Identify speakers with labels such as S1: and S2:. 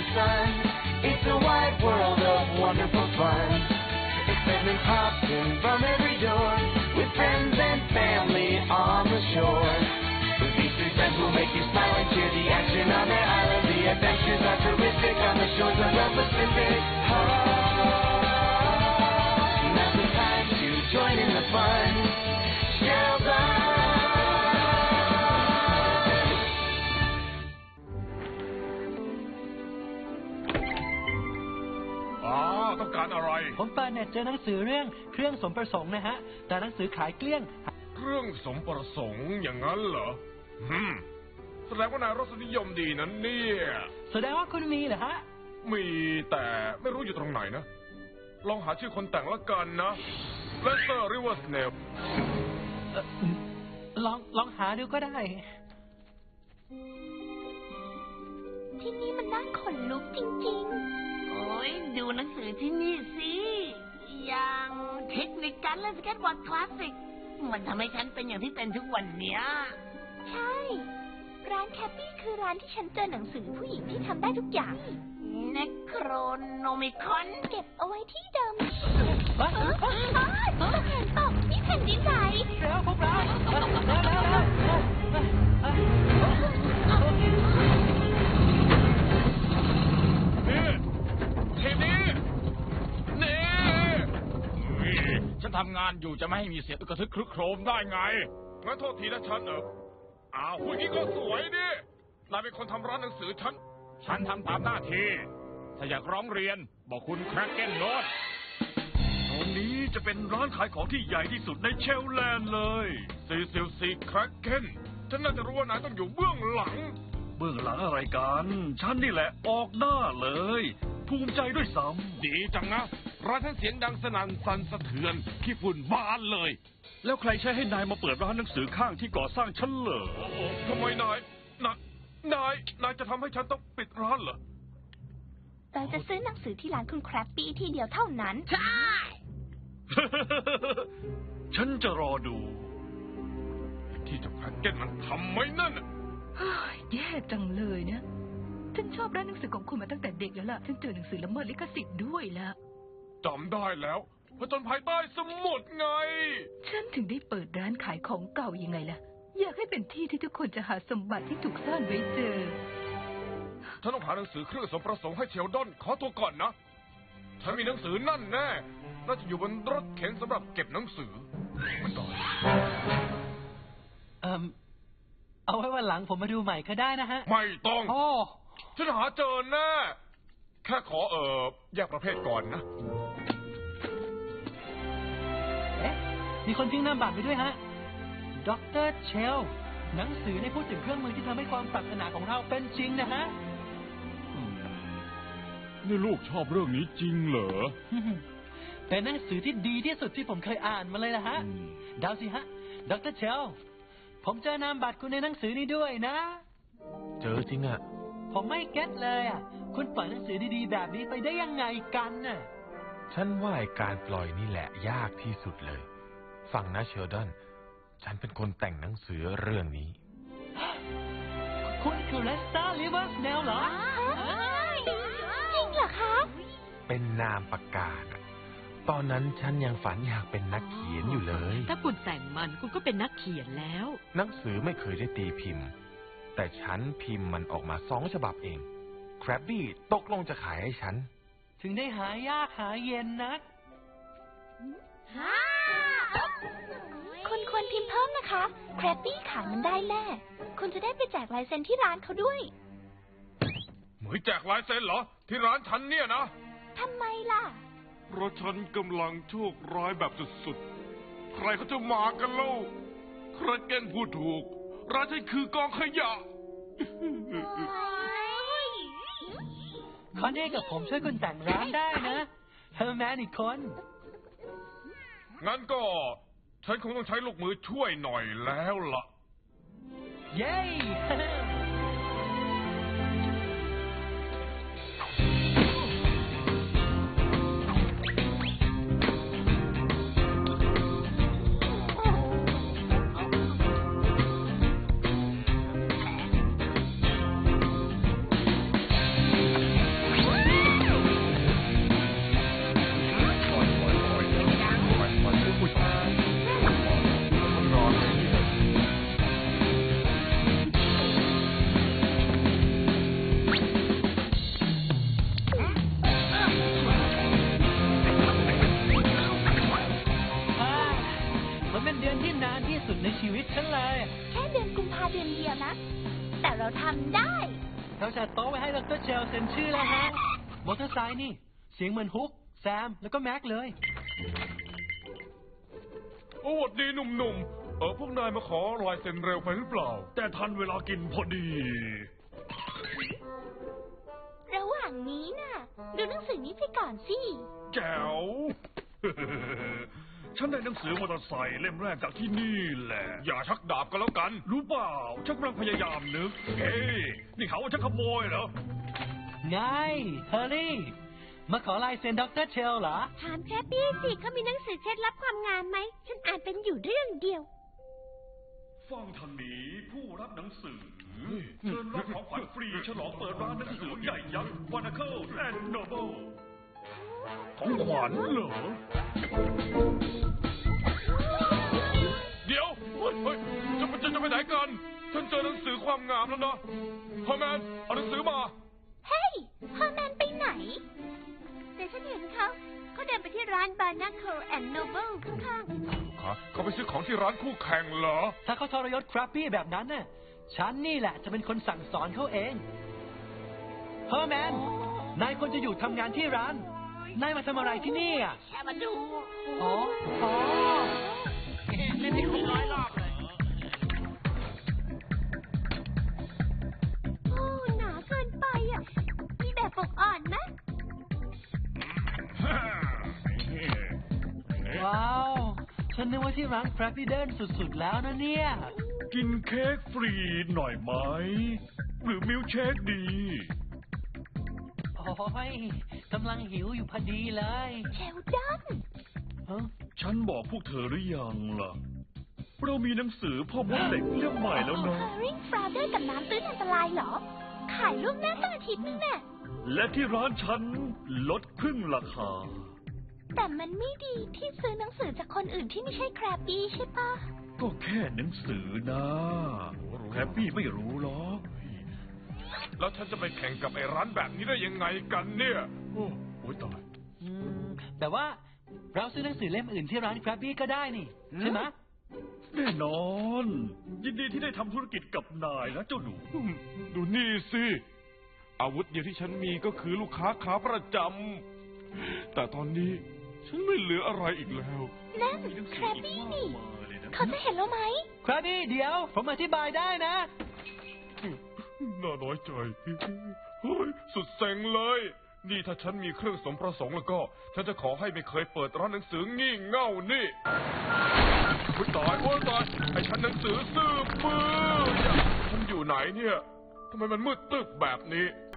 S1: sun. It's a wide world of wonderful fun. Excitement pops in from every door, with friends and family on the shore. With these three friends will make you smile and cheer. The action on their island, the adventures are terrific on the shores of the Pacific. Now's the time to join in the fun. Sheldon.
S2: ต้องการอะไร
S3: ผมเปิดเน็ตเจอหนังสือเรื่องเครื่องสมประสงค์นะฮะแต่หนังสือขายเกลี้ยง
S2: เครื่องสมประสงค์อย่างนั้นเหรอแสดงว่านายรสนิยมดีนั้นเนี่ย
S3: แสดงว่าคุณมีเหรอฮะ
S2: มีแต่ไม่รู้อยู่ตรงไหนนะลองหาชื่อคนแต่งละกันนะเลสเตอร์ริเวอร์สเนล
S3: ลองหาดูก็ได้
S4: ที่นี่มันน่าขนลุกจริงๆโอ้ยดูหนังสือที่นี่สิอย่างเทคนิคการเล่นสเก็ตบอร์ดคลาสสิกมันทำให้ฉันเป็นอย่างที่เป็นทุกวันเนี้ยใช่ร้านแคปปี้คือร้านที่ฉันเจอหนังสือผู้หญิงที่ทำได้ทุกอย่างเนโครโนมิคอนเก็บเอาไว้ที่เดิมตกแผ่นตกนี่แผ่นดินไหว
S3: แล้วพวกเรา
S2: ฉันทำงานอยู่จะไม่ให้มีเสียงกระทึกครึกโครมได้ไงงั้นโทษทีนะฉันผู้หญิงก็สวยดินายเป็นคนทำร้านหนังสือฉันทำตามหน้าที่ถ้าอยากร้องเรียนบอกคุณแคร็กเก้นโน้ตตรงนี้จะเป็นร้านขายของที่ใหญ่ที่สุดในเชลแลนด์เลย444แคร็กเก้นฉันน่าจะรู้ว่านายต้องอยู่เบื้องหลังอะไรกันฉันนี่แหละออกหน้าเลยภูมิใจด้วยซ้ำดีจังนะร้านฉันเสียงดังสนั่นสั่นสะเทือนขี้ฝุ่นบานเลยแล้วใครใช้ให้นายมาเปิดร้านหนังสือข้างที่ก่อสร้างฉันเหรอทำไมนายจะทำให้ฉันต้องปิดร้านเหรอ
S4: เราจะซื้อหนังสือที่ร้านคุณแครปปี้ที่เดียวเท่านั้นใช่
S2: ฉันจะรอดูที่เจ้าแพ็กเกจมันทำไหมนั่น
S5: แย่จังเลยเนี่ยฉันชอบร้านหนังสือของคุณมาตั้งแต่เด็กแล้วล่ะฉันเจอหนังสือละเมิดลิขสิทธิ์ด้วยล่ะ
S2: จำได้แล้วผจญภัยใต้สมุทรไง
S5: ฉันถึงได้เปิดร้านขายของเก่ายังไงล่ะอยากให้เป็นที่ที่ทุกคนจะหาสมบัติที่ถูกซ่อนไว้เจอ
S2: ฉันต้องหาหนังสือเครื่องสมประสงค์ให้เชลดอนขอตัวก่อนนะฉันมีหนังสือนั่นแน่น่าจะอยู่บนรถเข็นสำหรับเก็บหนังสือมันก่อน
S3: เอาไว้วันหลังผมมาดูใหม่ก็ได้นะฮะ
S2: ไม่ต้องฉันหาเจอแน่แค่ขอแยกประเภทก่อนนะ
S3: มีคนทิ้งนามบัตรไปด้วยฮะดร.เชลหนังสือในพูดถึงเครื่องมือที่ทำให้ความปรารถนาของเราเป็นจริงนะฮะ
S2: นี่ลูกชอบเรื่องนี้จริงเหรอ
S3: เป็นหนังสือที่ดีที่สุดที่ผมเคยอ่านมาเลยนะฮะเดาสิฮะดร.เชลผมเจอนามบัตรคุณในหนังสือนี้ด้วยนะ
S6: เจอจริงอ่ะ
S3: ผมไม่เก็ตเลยอ่ะคุณปล่อยหนังสือดีๆแบบนี้ไปได้ยังไงกันน่ะ
S6: ฉันว่าการปล่อยนี่แหละยากที่สุดเลยฟังนะเชลดอนฉันเป็นคนแต่งหนังสือเรื่องนี้
S3: คุณคือเลสเตอร์ริเวอร์สเนลเหรอ
S4: จริงเหรอคะ
S6: เป็นนามปากกาตอนนั้นฉันยังฝันอยากเป็นนักเขียนอยู่เลย
S5: ถ้าคุณแต่งมันคุณก็เป็นนักเขียนแล้ว
S6: หนังสือไม่เคยได้ตีพิมพ์แต่ฉันพิมพ์มันออกมา2 ฉบับเองแครบบี้ตกลงจะขายให้ฉัน
S3: ถึงได้หายากหาเย็นนัก
S4: คุณควรพิมพ์เพิ่มนะคะแครบบี้ขายมันได้แน่คุณจะได้ไปแจกลายเซ็นที่ร้านเขาด้วย
S2: เหมยแจกลายเซ็นเหรอที่ร้านฉันเนี่ยนะ
S4: ทำไมล่ะ
S2: เพราะฉันกำลังโชคร้ายแบบสุดๆใครเขาจะมากันเล่าใครเก่งพูดถูกร้านฉันคือกองขยะ
S3: คอนเน่กับผมช่วยคุณแต่งร้านได้นะเฮอร์แมนอีกคน
S2: งั้นก็ฉันคงต้องใช้ลูกมือช่วยหน่อยแล้วล่ะ
S3: เย้เราจัดโต๊ะไว้ให้ดรเชลเซ็นชื่อแล้วฮะ มอเตอร์ไซค์นี่ เสียงเหมือนฮุก แซม แล้วก็แม็กเลย
S2: โอ้สวัสดีหนุ่มๆพวกนายมาขอลายเซ็นเร็วไปหรือเปล่า แต่ทันเวลากินพอดี
S4: ระหว่างนี้น่ะ ดูหนังสือนี้ไปก่อนสิ
S2: แจ๋ว ฉันได้หนังสือมอเตอร์ไซค์เล่มแรกจากที่นี่แหละ อย่าชักดาบกันแล้วกัน รู้เปล่า ฉันกำลังพยายามนึก เฮ้ยนี่เขาว่าฉันขโมยเหรอ
S3: ไง เฮอร์รี่ มาขอลายเซ็นดรเชลเหรอ
S4: ถามแคปปี้สิเขามีหนังสือเคล็ดลับความงามไหม ฉันอ่านเป็นอยู่เรื่องเดียว
S2: ฟังทางนี้ผู้รับหนังสือเชิญรับของขวัญฟรีฉลองเปิดร้านหนังสือใหญ่ยักษ์ Barnacle and Noble ของขวัญเหรอ เดี๋ยวเฮ้ยจะไปไหนกัน ฉันเจอหนังสือความงามแล้วนะฮอร์แมนเอาหนังสือมา
S4: เฮ้ยฮอร์แมนไปไหน แต่ฉันเห็นเขาเดินไปที่ร้าน Barnacle and Noble ข้าง
S2: เขาไปซื้อของที่ร้านคู่แข่งเหรอ
S3: ถ้าเขาทรยศครับปี้แบบนั้นน่ะ ฉันนี่แหละจะเป็นคนสั่งสอนเขาเอง เฮอร์แมน นายควรจะอยู่ทำงานที่ร้าน นายมาทำอะไรที่นี่อ่ะ
S4: ๆแค่มาดู
S3: อ๋อ อ๋อ
S4: เล่นให้ครบร้อยรอบเลย โอ้ หนาเกินไปอ่ะ มีแบบปกอ่อนไหม
S3: ว้าว ฉันนึกว่าที่ร้านครับปี้เดินสุดๆแล้วนะเนี่ย
S2: กินเค้กฟรีหน่อยไหม หรือมิลค์เชคดี
S3: โอ้ยกำลังหิวอยู่พอดีเลย
S4: เชลดอน
S3: ฮะ
S2: ฉันบอกพวกเธอหรือยังล่ะ เรามีหนังสือพ่อมดเด็กเล่มใหม่แล้วนะ
S4: Herring Frowder กับน้ำตื้นอันตรายเหรอ ขายล่วงหน้าตั้งอาทิตย์นึงน่ะ
S2: และที่ร้านฉันลดครึ่งราคา
S4: แต่มันไม่ดีที่ซื้อหนังสือจากคนอื่นที่ไม่ใช่แครบบี้ใช่ปะ
S2: ก็แค่หนังสือนะแคปปี้ไม่รู้หรอก แล้วฉันจะไปแข่งกับไอ้ร้านแบบนี้ได้ยังไงกันเนี่ย โอ้ยตาย
S3: แต่ว่าเราซื้อหนังสือเล่มอื่นที่ร้านครับบี้ก็ได้นี่ ใช่ไหม
S2: แน่นอน ยินดีที่ได้ทำธุรกิจกับนายนะเจ้าหนู ดูนี่สิ อาวุธเดียวที่ฉันมีก็คือลูกค้าขาประจำ แต่ตอนนี้ฉันไม่เหลืออะไรอีกแล้ว
S4: นั่นแครบบี้นี่ เขาจะเห็นเราไหม
S3: ครับบี้เดี๋ยว ผมอธิบายได้นะ
S2: น่าน้อยใจ เฮ้ย สุดเซ็งเลย นี่ถ้าฉันมีเครื่องสมประสงค์แล้วก็ ฉันจะขอให้ไม่เคยเปิดร้านหนังสืองี่เง่านี่โอ้ยตายโอ้ยตายให้ฉันหนังสือซื้อมือฉันอยู่ไหนเนี่ยทำไมมันมืดตึกแบบนี้